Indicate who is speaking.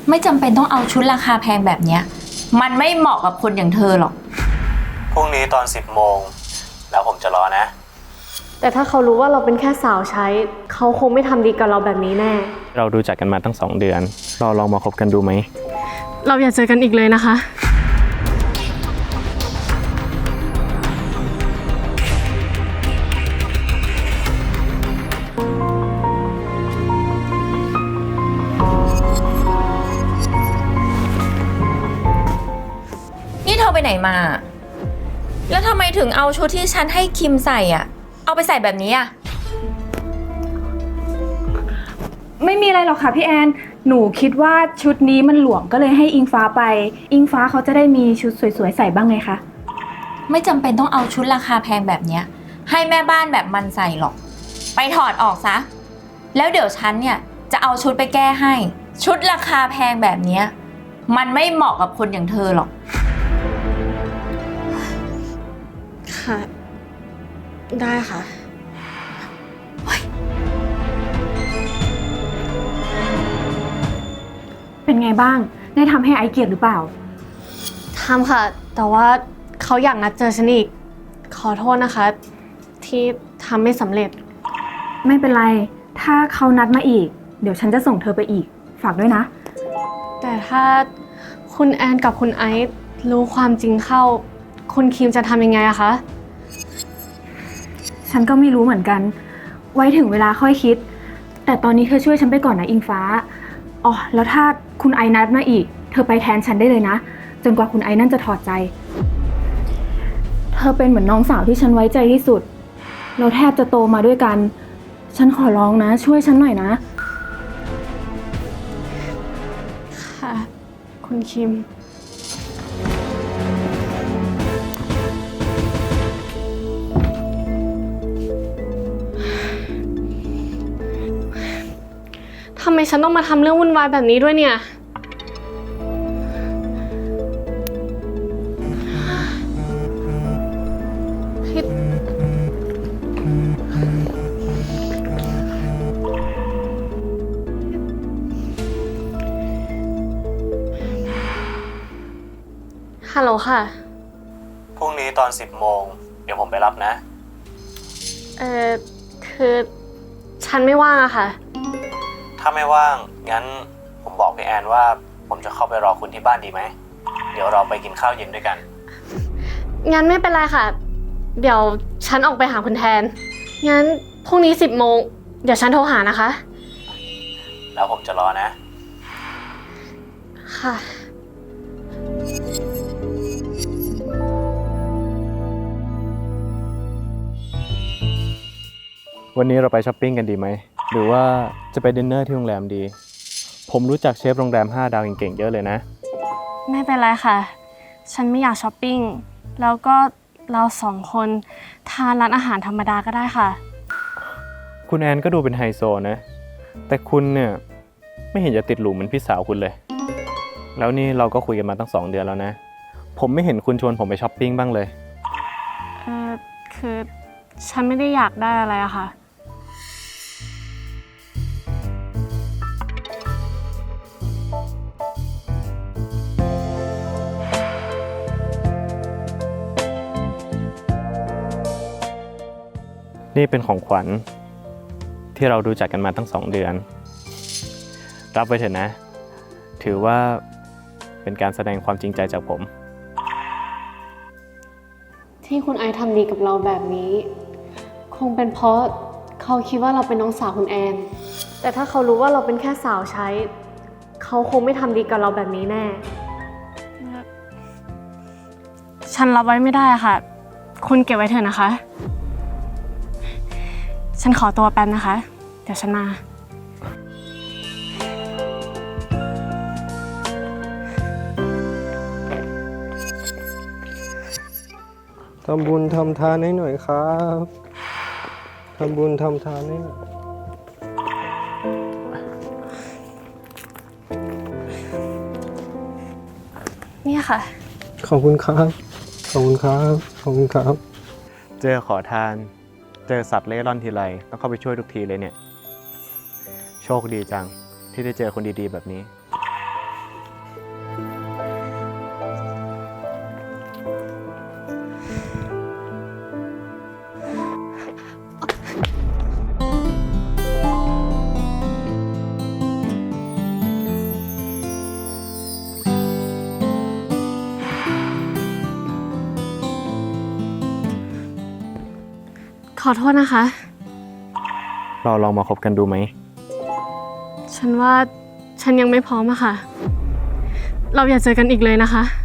Speaker 1: ไม่จำเป็นต้องเอาชุดราคาแพงแบบเนี้ยมันไม่เหมาะกับคนอย่างเธอหรอก
Speaker 2: พรุ่งนี้ตอน10 โมงแล้วผมจะรอนะ
Speaker 3: แต่ถ้าเขารู้ว่าเราเป็นแค่สาวใช้เขาคงไม่ทำดีกับเราแบบนี้แน่
Speaker 2: เราดูจักกันมาตั้ง2 เดือนเราลองมาคบกันดูไหม
Speaker 3: เราอย่าเจอกันอีกเลยนะคะ
Speaker 1: นี่เธอไปไหนมาแล้วทำไมถึงเอาชุดที่ฉันให้คิมใส่อ่ะเอาไปใส่แบบนี้อ่ะ
Speaker 4: ไม่มีอะไรหรอกค่ะพี่แอนหนูคิดว่าชุดนี้มันหลวมก็เลยให้อิงฟ้าไปอิงฟ้าเขาจะได้มีชุดสวยๆใส่บ้างไงคะ
Speaker 1: ไม่จำเป็นต้องเอาชุดราคาแพงแบบเนี้ยให้แม่บ้านแบบมันใส่หรอกไปถอดออกซะแล้วเดี๋ยวฉันเนี่ยจะเอาชุดไปแก้ให้ชุดราคาแพงแบบเนี้ยมันไม่เหมาะกับคนอย่างเธอหรอก
Speaker 3: ค่ะได้ค่ะ
Speaker 4: เป็นไงบ้างได้ทำให้ไอเกลียดหรือเปล่า
Speaker 3: ทำค่ะแต่ว่าเขาอยากนัดเจอฉันอีกขอโทษนะคะที่ทำไม่สำเร็จ
Speaker 4: ไม่เป็นไรถ้าเขานัดมาอีกเดี๋ยวฉันจะส่งเธอไปอีกฝากด้วยนะ
Speaker 3: แต่ถ้าคุณแอนกับคุณไอซ์รู้ความจริงเข้าคุณคิมจะทำยังไงอะคะ
Speaker 4: ฉันก็ไม่รู้เหมือนกันไว้ถึงเวลาค่อยคิดแต่ตอนนี้เธอช่วยฉันไปก่อนนะอิงฟ้าอ๋อแล้วถ้าคุณไอนัดมาอีกเธอไปแทนฉันได้เลยนะจนกว่าคุณไอนั่นจะถอดใจเธอเป็นเหมือนน้องสาวที่ฉันไว้ใจที่สุดเราแทบจะโตมาด้วยกันฉันขอร้องนะช่วยฉันหน่อยนะ
Speaker 3: ค่ะคุณคิมทำไมฉันต้องมาทำเรื่องวุ่นวายแบบนี้ด้วยเนี่ยฮัลโหลค่ะ
Speaker 2: พรุ่งนี้ตอน10 โมงเดี๋ยวผมไปรับนะ
Speaker 3: คือฉันไม่ว่างอะค่ะ
Speaker 2: ถ้าไม่ว่างงั้นผมบอกพี่แอนว่าผมจะเข้าไปรอคุณที่บ้านดีไหมเดี๋ยวเราไปกินข้าวเย็นด้วยกัน
Speaker 3: งั้นไม่เป็นไรค่ะเดี๋ยวฉันออกไปหาคุณแทนงั้นพรุ่งนี้10 โมงเดี๋ยวฉันโทรหานะคะ
Speaker 2: แล้วผมจะรอนะ
Speaker 3: ค่ะ
Speaker 2: วันนี้เราไปช้อปปิ้งกันดีไหมหรือว่าจะไปดินเนอร์ที่โรงแรมดีผมรู้จักเชฟโรงแรม5 ดาวเก่งๆเยอะเลยนะ
Speaker 3: ไม่เป็นไรค่ะฉันไม่อยากช้อปปิ้งแล้วก็เรา2 คนทานร้านอาหารธรรมดาก็ได้ค่ะ
Speaker 2: คุณแอนก็ดูเป็นไฮโซนะแต่คุณเนี่ยไม่เห็นจะติดหรูเหมือนพี่สาวคุณเลยแล้วนี่เราก็คุยกันมาตั้ง2 เดือนแล้วนะผมไม่เห็นคุณชวนผมไปช้อปปิ้งบ้างเลย
Speaker 3: คือฉันไม่ได้อยากได้อะไรอะค่ะ
Speaker 2: นี่เป็นของขวัญที่เราดูจักกันมาตั้ง2 เดือนรับไว้เถอะนะถือว่าเป็นการแสดงความจริงใจจากผม
Speaker 3: ที่คุณไอซ์ทำดีกับเราแบบนี้คงเป็นเพราะเขาคิดว่าเราเป็นน้องสาวคุณแอนแต่ถ้าเขารู้ว่าเราเป็นแค่สาวใช้เขาคงไม่ทำดีกับเราแบบนี้แน่ฉันรับไว้ไม่ได้ค่ะคุณเก็บไว้เถอะนะคะฉันขอตัวแป๊บนะคะเดี๋ยวฉันมา
Speaker 5: ทำบุญทำทานให้หน่อยครับทำบุญทำทานให้หน่อย
Speaker 3: เนี่ยค่ะ
Speaker 5: ขอบคุณครับขอบคุณครับขอบคุณครับ
Speaker 2: เจอขอทานเจอสัตว์เล่ร่อนทีไรต้องเข้าไปช่วยทุกทีเลยเนี่ยโชคดีจังที่ได้เจอคนดีๆแบบนี้
Speaker 3: ขอโทษนะคะ
Speaker 2: เราลองมาคบกันดูไหม
Speaker 3: ฉันว่าฉันยังไม่พร้อมอะค่ะ เราอย่าเจอกันอีกเลยนะคะ